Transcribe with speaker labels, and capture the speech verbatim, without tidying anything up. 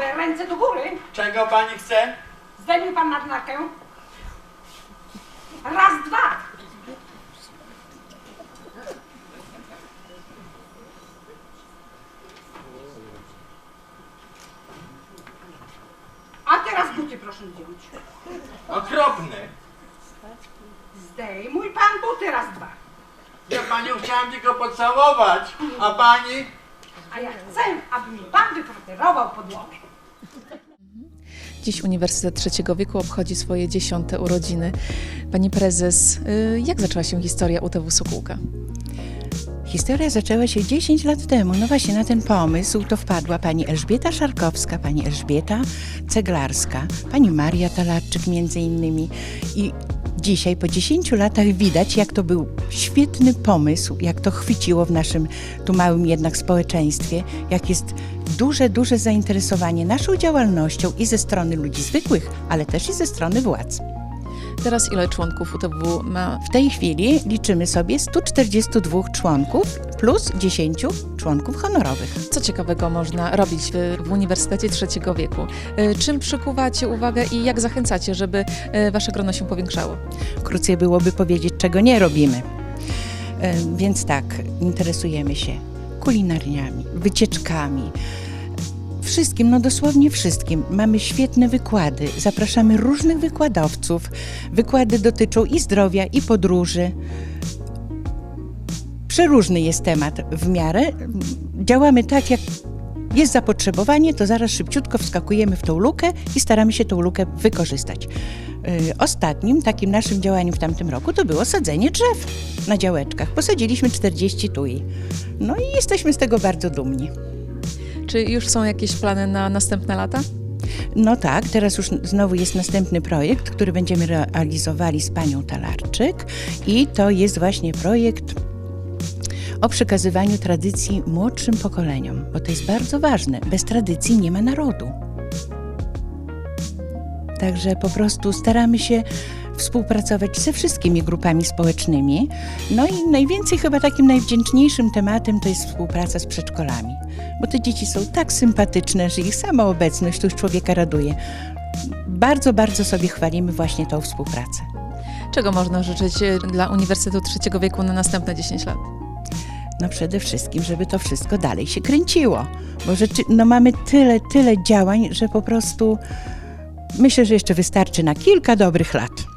Speaker 1: Dobrze, ręce do góry.
Speaker 2: Czego pani chce?
Speaker 1: Zdejmij pan marynarkę. Raz, dwa. A teraz buty proszę zdjąć.
Speaker 2: Okropny.
Speaker 1: Zdejmuj pan buty, raz, dwa.
Speaker 2: Ja panią chciałem tylko pocałować, a pani?
Speaker 1: A ja chcę, aby mi pan wypreparował podłogę.
Speaker 3: Dziś Uniwersytet Trzeciego Wieku obchodzi swoje dziesiąte urodziny. Pani prezes, jak zaczęła się historia U T W Sokółka?
Speaker 4: Historia zaczęła się dziesięć lat temu. No właśnie na ten pomysł to wpadła pani Elżbieta Szarkowska, pani Elżbieta Ceglarska, pani Maria Talarczyk między innymi. I dzisiaj po dziesięciu latach widać, jak to był świetny pomysł, jak to chwyciło w naszym tu małym jednak społeczeństwie, jak jest duże, duże zainteresowanie naszą działalnością i ze strony ludzi zwykłych, ale też i ze strony władz.
Speaker 3: Teraz ile członków U T W ma?
Speaker 4: W tej chwili liczymy sobie stu czterdziestu dwóch członków plus dziesięciu członków honorowych.
Speaker 3: Co ciekawego można robić w, w Uniwersytecie Trzeciego Wieku? Czym przykuwacie uwagę i jak zachęcacie, żeby wasze grono się powiększało?
Speaker 4: Krócej byłoby powiedzieć, czego nie robimy. Więc tak, interesujemy się kulinariami, wycieczkami, wszystkim, no dosłownie wszystkim. Mamy świetne wykłady, zapraszamy różnych wykładowców. Wykłady dotyczą i zdrowia, i podróży. Przeróżny jest temat w miarę. Działamy tak, jak jest zapotrzebowanie, to zaraz szybciutko wskakujemy w tą lukę i staramy się tą lukę wykorzystać. Ostatnim takim naszym działaniem w tamtym roku to było sadzenie drzew na działeczkach. Posadziliśmy czterdzieści tui. No i jesteśmy z tego bardzo dumni.
Speaker 3: Czy już są jakieś plany na następne lata?
Speaker 4: No tak, teraz już znowu jest następny projekt, który będziemy realizowali z panią Talarczyk i to jest właśnie projekt o przekazywaniu tradycji młodszym pokoleniom, bo to jest bardzo ważne. Bez tradycji nie ma narodu. Także po prostu staramy się współpracować ze wszystkimi grupami społecznymi. No i najwięcej chyba takim najwdzięczniejszym tematem to jest współpraca z przedszkolami. Bo te dzieci są tak sympatyczne, że ich sama obecność tu już człowieka raduje. Bardzo, bardzo sobie chwalimy właśnie tą współpracę.
Speaker 3: Czego można życzyć dla Uniwersytetu Trzeciego Wieku na następne dziesięć lat?
Speaker 4: No przede wszystkim, żeby to wszystko dalej się kręciło. Bo rzeczy, no mamy tyle, tyle działań, że po prostu myślę, że jeszcze wystarczy na kilka dobrych lat.